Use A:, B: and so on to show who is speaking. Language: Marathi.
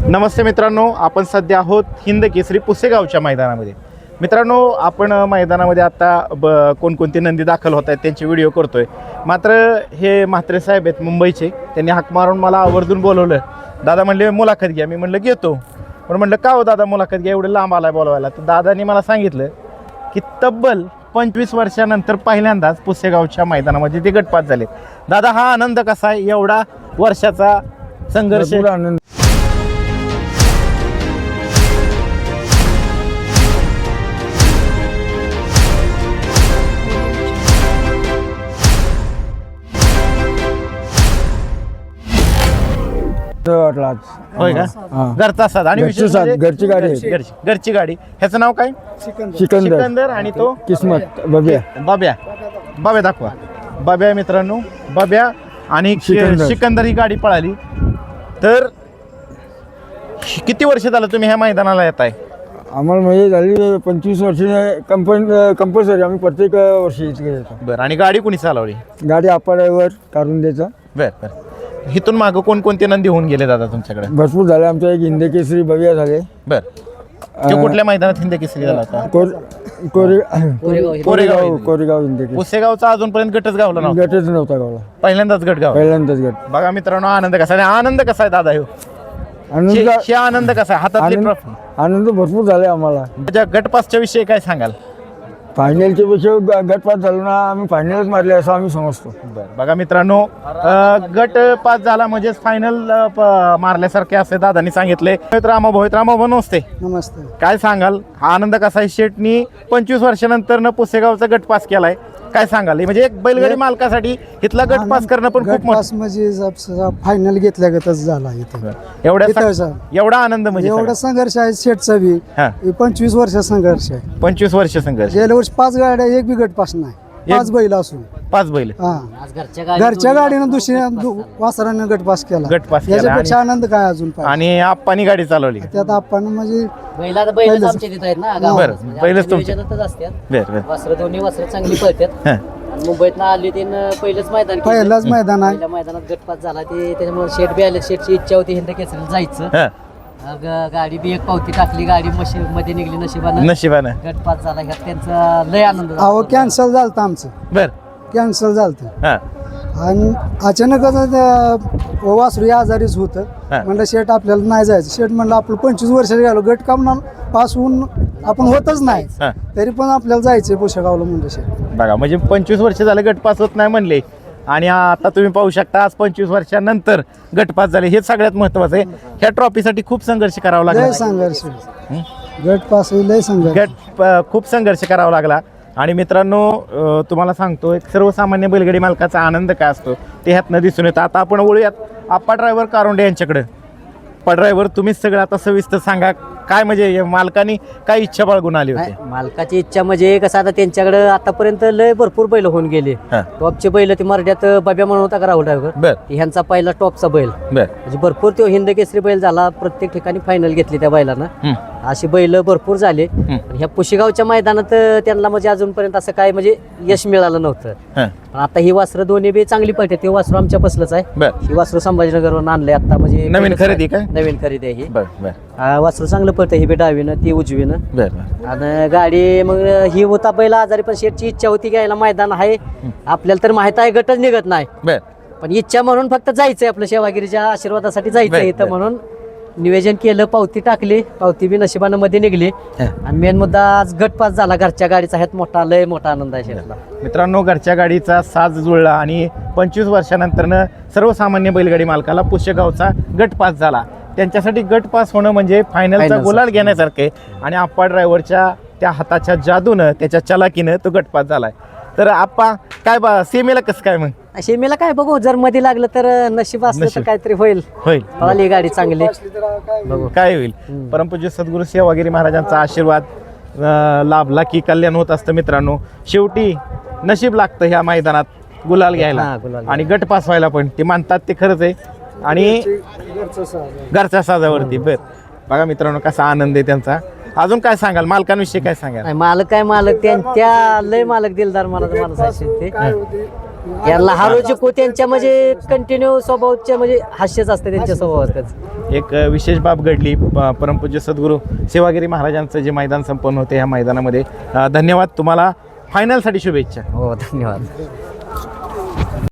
A: नमस्ते मित्रांनो, आपण सध्या आहोत हिंद केसरी पुसेगावच्या मैदानामध्ये. मित्रांनो, आपण मैदानामध्ये आता कोणकोणती नंदी दाखल होत आहेत त्यांचे व्हिडिओ करतोय. मात्र हे म्हात्रे साहेब आहेत मुंबईचे, त्यांनी हाक मारून मला आवर्जून बोलवलं. दादा म्हणले मुलाखत घ्या. मी म्हणलं घेतो. पण म्हणलं का हो दादा मुलाखत घ्या, एवढं लांब आलाय बोलवायला. तर दादांनी मला सांगितलं की तब्बल 25 वर्षानंतर पहिल्यांदाच पुसेगावच्या मैदानामध्ये ते गटपात झाले. दादा, हा आनंद कसा आहे, एवढा वर्षाचा संघर्ष?
B: आनंद वाटला आज.
A: होय का? घरचा साध आणि
B: घरची
A: विशेष
B: साध,
A: म्हणजे
B: घरची गाडी आहे.
A: घरची गाडी. ह्याचं नाव काय? सिकंदर. आणि तो
B: किस्मत बबिया.
A: बाब्या दाखवा. बाब्या मित्रांनो, बाब्या आणि सिकंदर ही गाडी पळाली. तर किती वर्ष झालं तुम्ही ह्या मैदानाला येत आहे?
B: आम्हाला म्हणजे झाली 25 वर्ष. कंपल्सरी आम्ही प्रत्येक वर्षी इथे येतो.
A: बरं. आणि गाडी कुणी चालवली?
B: गाडी आपा ड्रायव्हर काढून द्यायचा.
A: बरं. इथून मागं कोणकोणते नंदी होऊन गेले दादा तुमच्याकडे?
B: भरपूर झाले. आमच्या एक हिंद केसरी बबिया झाले.
A: बरं. तो कुठल्या मैदानात हिंद केसरी झाला होता?
B: कोरेगाव हिंद केसरी.
A: पुसेगावचा अजूनपर्यंत गटच गावला नव्हता.
B: गटच नव्हता गावला.
A: पहिल्यांदाच गट गाव.
B: पहिल्यांदाच गट.
A: बघा मित्रांनो, आनंद कसा आहे? आनंद कसा आहे दादा? आनंद कसा आहे? हातातली ट्रॉफी.
B: आनंद भरपूर झाले आम्हाला.
A: त्याच्या गटपासच्या विषयी काय सांगाल?
B: फायनलच्या पेक्षा गट पास झालो ना, आम्ही फायनलच मारले असं आम्ही समजतो.
A: बघा मित्रांनो, गट पास झाला म्हणजेच फायनल मारल्यासारखे असे दादांनी सांगितले. रामाभाऊ नमस्ते.
B: नमस्ते.
A: काय सांगाल, हा आनंद कसा आहे? शेटनी 25 वर्षानंतर न पुसेगावचा गट पास केलाय. काय सांगाल? म्हणजे एक बैलगाडी मालकासाठी इथला गट पास करणं पण खूप मोठं.
C: म्हणजे फायनल घेतल्यागतच झाला इथे.
A: एवढा आनंद म्हणजे
C: एवढा संघर्ष आहे शेटचा बी. 25 वर्ष संघर्ष आहे.
A: 25 वर्ष संघर्ष.
C: गेल्या वर्षी 5 गाड्या, एक बी गट पास नाही. 5 बैल असून
A: 5 बैल.
C: घरच्या गाडीनं दुसऱ्या वासरानं गट पास केला.
A: गट पास केला.
C: याच्यापेक्षा आनंद काय अजून पाहिजे?
A: आणि आप्पानी गाडी चालवली.
C: त्यात आपण म्हणजे
A: बरं, बैलच तुमच्या. बरं.
D: वासरं दोन्ही वासरं चांगली पळतात. मुंबईत आली तीन पहिलंच मैदान.
C: पहिलाच मैदान आहे.
D: पहिल्या मैदानात गटपास झाला ते, त्याच्यामुळे शेट बी आले. शेटची इच्छा होती हिंद केसरीला जायचं. गाडी बी एक पावती टाकली, गाडी मध्ये निघली नशिबानं. गटपास झाला. ह्यात त्यांचा लय आनंद झाला.
C: अहो कॅन्सल झालं आमचं. कॅन्सल झालं आणि अचानकच वासरू आजारीच होतं. म्हणलं शेट आपल्याला नाही जायचं. शेट म्हणलं आपलं 25 वर्षाचे गेलो, गट काम पास होऊन आपण होतच नाही, तरी पण आपल्याला जायचंय पुसेगावला. म्हणलं शेट
A: बघा, म्हणजे 25 वर्ष झालं गटपास होत नाही म्हणले, आणि आता तुम्ही पाहू शकता आज 25 वर्षानंतर गटपास झाले. हे सगळ्यात महत्वाचं आहे. ह्या ट्रॉफीसाठी खूप संघर्ष करावा लागला.
C: लय संघर्ष. गट पास लय संघर्ष.
A: खूप संघर्ष करावा लागला. आणि मित्रांनो, तुम्हाला सांगतो, एक सर्वसामान्य बैलगाडी मालकाचा आनंद काय असतो ते ह्यातनं दिसून येतं. आता आपण वळूयात आप्पा ड्रायव्हर कारोंडे यांच्याकडे. आप्पा ड्रायव्हर, तुम्हीच सगळं आता सविस्तर सांगा. काय म्हणजे मालकानी काय इच्छा बाळगून आली होती?
D: मालकाची इच्छा म्हणजे कसं, आता त्यांच्याकडे आतापर्यंत लय भरपूर बैल होऊन गेले. टॉपचे बैल ते मराठ्यात बब्या म्हणून होता का राहुल ड्रायव्हर, ह्यांचा पहिला टॉपचा बैल. म्हणजे भरपूर तो हिंद केसरी बैल झाला. प्रत्येक ठिकाणी फायनल घेतली त्या बैलांना. अशी बैल भरपूर झाले. ह्या पुसेगावच्या मैदानात त्यांना म्हणजे अजूनपर्यंत असं काय म्हणजे यश मिळालं नव्हतं. आता ही वासरं दोन्ही बी चांगली पळते. ते वासरू आमच्या पसलंच आहे. ही वासरू संभाजीनगरवरून आणलंय आता. म्हणजे
A: नवीन खरेदी का?
D: नवीन खरेदी आहे ही. वासरू चांगलं पळतं. ही बी डावीनं, ती उजवीनं. आणि गाडी मग ही होता बैल आजारी, पण शेटची इच्छा होती घ्यायला. मैदान आहे आपल्याला तर माहित आहे, गटच निघत नाही. पण इच्छा म्हणून फक्त जायचंय, आपल्या सेवागिरीच्या आशीर्वादासाठी जायचंय इथं म्हणून नियोजन केलं. पावती टाकली, पावती बी नशिबानं मध्ये निघली. आणि मेन मुद्दा आज गटपास झाला. घरच्या गाडीचा ह्यात मोठा लय मोठा आनंद आहे शेतला.
A: मित्रांनो, घरच्या गाडीचा साज जुळला आणि 25 वर्षानंतरनं सर्वसामान्य बैलगाडी मालकाला पुसेगावचा गटपास झाला. त्यांच्यासाठी गटपास होणं म्हणजे फायनलचा गुलाल घेण्यासारखे. आणि आप्पा ड्रायव्हरच्या त्या हाताच्या जादूनं, त्याच्या चलाकीनं तो गटपास झालाय. तर आप्पा काय सेमीला कसं काय? मग
D: शेमीला काय बघू, जर मध्ये लागलं तर नशीब असलं तर काहीतरी होईल. पळाली गाडी चांगली,
A: बघू काय होईल. परमपूज्य सद्गुरू सेवागिरी महाराजांचा आशीर्वाद लाभला की कल्याण होत असतं. मित्रांनो, शेवटी नशीब लागतं ह्या मैदानात गुलाल घ्यायला आणि गट पास व्हायला. पण ते मानतात ते खरंच आहे. आणि घरच्या साजावरती बघा मित्रांनो कसा आनंद आहे त्यांचा. अजून काय सांगाल मालकांविषयी? काय सांगाल?
D: मालक त्यांच्या लय मालक दिलदार माणूस आहे ते. यांना हारोची को त्यांच्या म्हणजे कंटिन्यू स्वभावाच्या म्हणजे हास्यच असते त्यांच्या स्वभावात.
A: एक विशेष बाब घडली. परमपूज्य सद्गुरू सेवागिरी महाराजांचं जे मैदान संपन्न होते ह्या मैदानामध्ये. धन्यवाद. तुम्हाला फायनलसाठी शुभेच्छा.
D: हो, धन्यवाद.